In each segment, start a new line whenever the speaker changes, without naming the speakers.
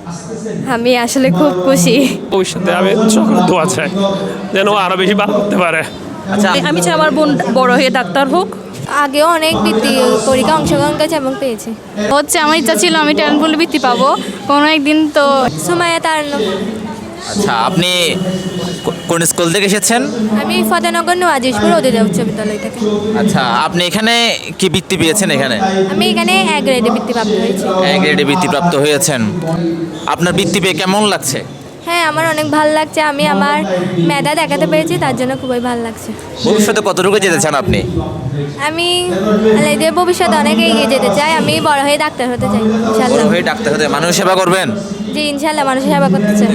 আমি আসলে খুব খুশি।
ভবিষ্যতে আমি সকলের দোয়া চাই যেন ও আরো বেশি ভালো করতে পারে।
আচ্ছা,
আমি চাই আমার বোন বড় হয়ে ডাক্তার হোক।
আগেও অনেক বৃত্তি পরীক্ষা অংশগ্রহণ করেছে এবং পেয়েছে।
হচ্ছে আমার ইচ্ছা ছিল আমি ট্যালেন্ট বলে বৃত্তি পাবো কোনো একদিন, তো
সুমাইয়া তার
আচ্ছা, আপনি কোন স্কুল থেকে এসেছেন?
আমি ফতেনগর নোয়াজিশপুর অধিদয় উচ্চ বিদ্যালয় থেকে।
আচ্ছা, আপনি এখানে কি বৃত্তি পেয়েছেন? এখানে
আমি এখানে এক গ্রেডে বৃত্তিপ্রাপ্ত হয়েছি।
গ্রেডে বৃত্তিপ্রাপ্ত হয়েছেন। আপনার বৃত্তি পেয়ে কেমন লাগছে?
হ্যাঁ, আমার অনেক ভালো লাগছে। আমি আমার মেধা দেখাতে পেরেছি, তার জন্য খুবই ভালো লাগছে।
ভবিষ্যতে কতটুকু যেতে চান আপনি?
আমি ভবিষ্যতে অনেক এগিয়ে যেতে চাই। আমি বড় হয়ে ডাক্তার হতে চাই
বড়
ইনশাল্লাহ।
হয়ে ডাক্তার হতে মানুষ সেবা করবেন?
জি ইনশাল্লাহ, মানুষের সেবা করতে চাই।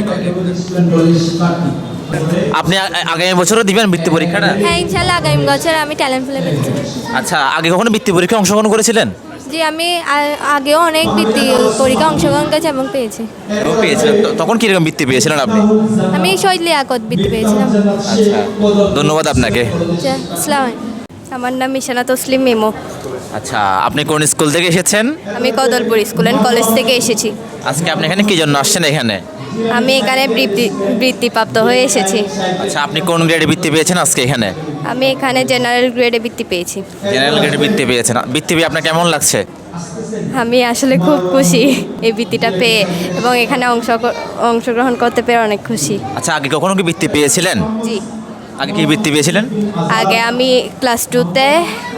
আপনি আগামী বছরও দিবেন বৃত্তি পরীক্ষাটা?
হ্যাঁ ইনশাল্লাহ, আগামী বছর আমি ট্যালেন্ট ফুলে পেয়েছি।
আচ্ছা, আগে কখনো বৃত্তি পরীক্ষায় অংশগ্রহণ করেছিলেন?
জি আমি আগেও অনেক বৃত্তি পরীক্ষা অংশগ্রহণ করেছি এবং পেয়েছি।
এবং পেয়েছিলেন? তখন কিরকম বৃত্তি পেয়েছিলেন আপনি?
আমি শহীদ লিয়াকত বৃত্তি পেয়েছিলাম।
আচ্ছা, ধন্যবাদ আপনাকে।
আসসালাম।
আমার নাম মিশানা তসলিম মেমো।
আচ্ছা, আপনি কোন স্কুল থেকে এসেছেন?
আমি কদলপুর স্কুল অ্যান্ড কলেজ থেকে এসেছি।
আজকে আপনি এখানে কি জন্য আসছেন এখানে?
আমি এখানে বৃত্তিপ্রাপ্ত হয়ে এসেছি।
আচ্ছা, আপনি কোন গ্রেডে বৃত্তি পেয়েছেন আজকে এখানে?
আমি এখানে জেনারেল গ্রেডে বৃত্তি পেয়েছি।
জেনারেল গ্রেডে বৃত্তি পেয়েছেন। বৃত্তি পেয়ে আপনার কেমন লাগছে?
আমি আসলে খুব খুশি এই বৃত্তিটা পেয়ে, এবং এখানে অংশগ্রহণ করতে পেরে অনেক খুশি।
আচ্ছা, আগে কখনো কি বৃত্তি পেয়েছিলেন?
জি,
আগে কি বৃত্তি পেয়েছিলেন?
আগে আমি ক্লাস 2-তে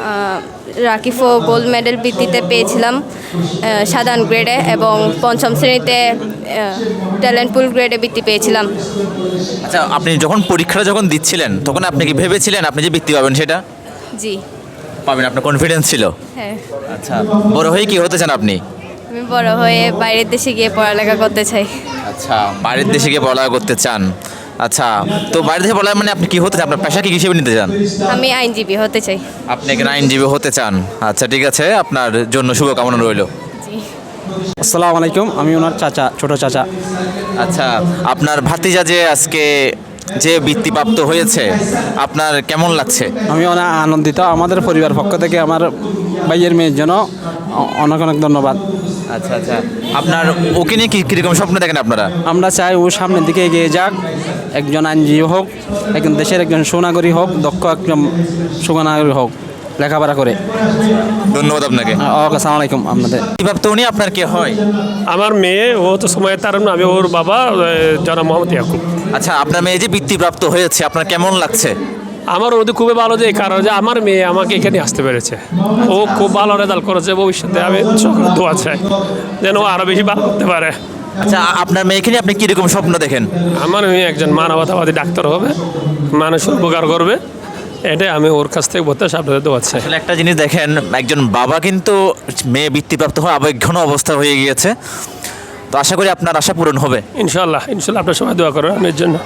রাকিফো গোল্ড মেডেল বৃত্তিতে পেয়েছিলাম সাধারণ গ্রেডে, এবং পঞ্চম শ্রেণীতে ট্যালেন্ট পুল গ্রেডে বৃত্তি পেয়েছিলাম।
আচ্ছা, আপনি যখন পরীক্ষাটা যখন দিচ্ছিলেন তখন আপনি কি ভেবেছিলেন আপনি যে বৃত্তি পাবেন সেটা
জি
পাবেন? আপনার কনফিডেন্স ছিল?
হ্যাঁ,
আচ্ছা, বড় হয়ে কি হতে চান আপনি?
আমি বড় হয়ে বাইরের দেশে গিয়ে পড়ালেখা করতে চাই।
আচ্ছা, বাইরের দেশে গিয়ে পড়ালেখা করতে চান। আচ্ছা, তো বাইরে থেকে পড়ালেখা মানে আপনি কি হতে চান? আপনার পেশা কি হিসেবে নিতে চান?
আমি আইনজীবী হতে চাই।
আপনি এখানে আইনজীবী হতে চান? আচ্ছা, ঠিক আছে, আপনার জন্য শুভকামনা রইল।
জি,
আসসালামু আলাইকুম, আমি ওনার চাচা, ছোট চাচা।
আচ্ছা, আপনার ভাতিজা যে আজকে যে বৃত্তিপ্রাপ্ত হয়েছে আপনার কেমন লাগছে?
আমি অনেক আনন্দিত। আমাদের পরিবার পক্ষ থেকে আমার ভাইয়ের মেয়ের জন্য অনেক অনেক ধন্যবাদ।
আচ্ছা আচ্ছা, আপনার ওকে নিয়ে কীরকম স্বপ্ন দেখেন আপনারা?
আমরা চাই ও সামনের দিকে এগিয়ে যাক, একজন আইনজীবী হোক, একজন দেশের একজন সুনাগরিক হোক, দক্ষ একজন সুনাগরিক হোক, লেখাপড়া করে।
ধন্যবাদ আপনাকে।
ওকে, আসসালামু আলাইকুম। আপনাদের
বৃত্তিপ্রাপ্ত উনি আপনার কে হয়?
আমার মেয়ে, ও তো সময় তার আমি ওর বাবা জনাব মোহাম্মদ ইয়াকুব।
আচ্ছা, আপনার মেয়ে যে বৃত্তিপ্রাপ্ত হয়েছে আপনার কেমন লাগছে?
আমার ওদের খুবই ভালো, যে কারণ যে আমার মেয়ে আমাকে এখানে আসতে পেরেছে। ও খুব ভালো রেজাল্ট করেছে। ভবিষ্যতে আমি সকলের দোয়া চাই যেন ও আরো বেশি ভালো করতে পারে।
আচ্ছা, আপনার মেয়েকে নিয়ে আপনি কীরকম স্বপ্ন দেখেন?
আমার মেয়ে একজন মানবতাবাদী ডাক্তার হবে, মানুষের উপকার করবে, এটাই আমি ওর কাছ থেকে বলতে আপনাদের দোয়া চাই।
আসলে একটা জিনিস দেখেন, একজন বাবা কিন্তু মেয়ে বৃত্তিপ্রাপ্ত হয়ে আবেগঘন অবস্থা হয়ে গিয়েছে। তো আশা করি আপনার আশা পূরণ হবে
ইনশাল্লাহ ইনশাল্লাহ, আপনার সবাই দোয়া করেন আমার জন্য।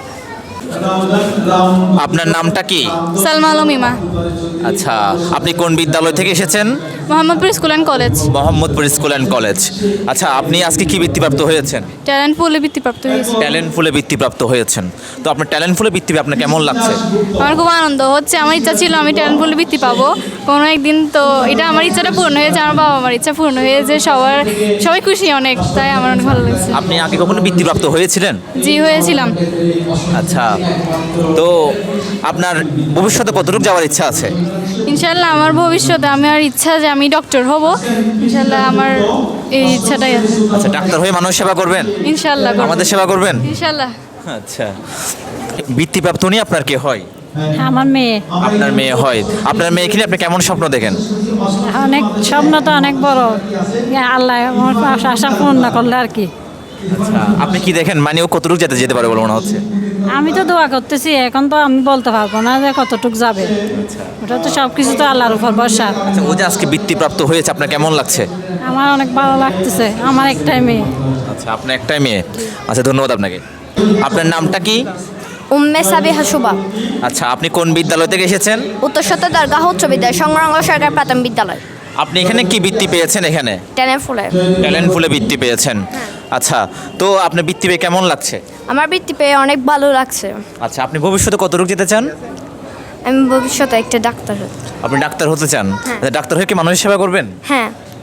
আপনার নামটা কি?
সালমা আলম ইমা।
আচ্ছা, আপনি কোন বিদ্যালয় থেকে এসেছেন?
Mohammadpur school and college.
Mohammadpur school and college. আচ্ছা, আপনি আজকে কি বৃত্তিপ্রাপ্ত হয়েছেন?
ট্যালেন্ট পুলে বৃত্তিপ্রাপ্ত হয়েছে।
ট্যালেন্ট ফুলে বৃত্তিপ্রাপ্ত হয়েছেন। তো আপনার ট্যালেন্ট ফুলে বৃত্তি পেয়ে আপনার কেমন লাগছে?
আমার খুব আনন্দ হচ্ছে। আমার ইচ্ছা ছিল আমি ট্যালেন্ট পুলে বৃত্তি পাবো কোনো একদিন, তো এটা আমার ইচ্ছাটা পূর্ণ হয়েছে, আমার বাবা আমার ইচ্ছা পূর্ণ হয়েছে, সবাই খুশি অনেক, তাই আমার অনেক ভালো লাগছে।
আপনি আগে কখনো বৃত্তিপ্রাপ্ত হয়েছিলেন?
জি, হয়েছিলাম।
আচ্ছা, তো আপনার ভবিষ্যতে কতটুকু যাওয়ার ইচ্ছা আছে?
ইনশাল্লাহ আমার ভবিষ্যতে আমার ইচ্ছা যে আমি ডক্টর হব। ইনশাল্লাহ আমার এই ইচ্ছাটাই আছে।
আচ্ছা, ডাক্তার হয়ে মানুষ সেবা করবেন?
ইনশাল্লাহ করব।
আমাদের সেবা করবেন?
ইনশাল্লাহ।
আচ্ছা, বৃত্তিপ্রাপ্ত উনি আপনার কে হয়?
আমার মেয়ে।
আপনার মেয়ে হয়। আপনার মেয়েকে নিয়ে আপনি কেমন স্বপ্ন দেখেন?
অনেক স্বপ্ন তো অনেক বড়, আল্লাহ আমার আশা পূর্ণ করলে আর কি।
আচ্ছা, আপনি কি দেখেন মানে ও কতটুকু যেতে পারে বলে মনে হচ্ছে?
আমি তো দোয়া করতেছি, এখন তো আমি বলতে পারবো না যে কতটুক যাবে। ওটা তো সব কিছু তো আল্লাহর উপর ভরসা।
আচ্ছা, ও যে আজকে বৃত্তিপ্রাপ্ত হয়েছে আপনার কেমন লাগছে?
আমার অনেক ভালো লাগতেছে, আমার একটাই মেয়ে।
আচ্ছা, আপনার একটাই মেয়ে। আচ্ছা, ধন্যবাদ আপনাকে। আপনার নামটা কি?
উম্মে সাবিহা শুভা।
আচ্ছা, আপনি কোন বিদ্যালয় থেকে এসেছেন?
উত্তর সত্য দরগাহ উচ্চ বিদ্যালয়, সংগ্রাম সরকার প্রাথমিক বিদ্যালয়।
আপনি এখানে কি বৃত্তি পেয়েছেন? এখানে
ট্যালেন্ট ফুলে।
ট্যালেন্ট ফুলে বৃত্তি পেয়েছেন। আচ্ছা, তো আপনার বৃত্তি পেয়ে কেমন লাগছে?
আমার বৃত্তি পেয়ে অনেক ভালো লাগছে।
আচ্ছা, আপনি ভবিষ্যতে কতটুকু যেতে চান?
আমি ভবিষ্যতে একটা ডাক্তার হতে।
আপনি ডাক্তার হতে চান? আচ্ছা, ডাক্তার হয়ে কি মানুষের সেবা করবেন?
হ্যাঁ।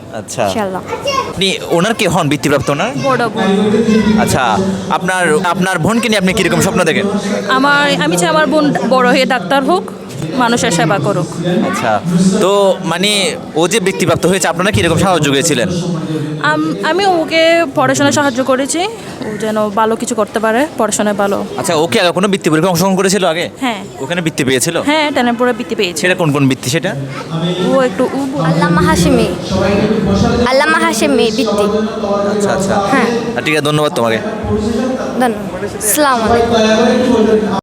আচ্ছা
ইনশাল্লাহ।
আপনি ওনার কে হন বৃত্তিপ্রাপ্ত ওনার?
বড় বোন।
আচ্ছা আপনার আপনার বোনকে নিয়ে আপনি কিরকম স্বপ্ন দেখেন?
আমি চাই আমার বোন বড় হয়ে ডাক্তার হোক, মানুষের সেবা করুক।
আচ্ছা তো মানে ও যে বৃত্তিপ্রাপ্ত হয়েছে আপনারা কিরকম সাহায্য করেছিলেন?
আমি ওকে পড়াশোনায় সাহায্য করেছি, ও যেন ভালো কিছু করতে পারে, পড়াশোনায় ভালো।
আচ্ছা ওকে আগে কোনো বৃত্তি পরীক্ষা অংশগ্রহণ করেছিল আগে?
হ্যাঁ।
ওখানে বৃত্তি পেয়েছিল?
হ্যাঁ, ট্যালেন্টপুরে বৃত্তি পেয়েছে।
সেটা কোন কোন বৃত্তি সেটা?
ও একটু
আল্লামা হাশেমি বৃত্তি।
আচ্ছা আচ্ছা
হ্যাঁ।
ঠিক আছে ধন্যবাদ তোমাকে।
ধন্যবাদ। আসসালামু আলাইকুম।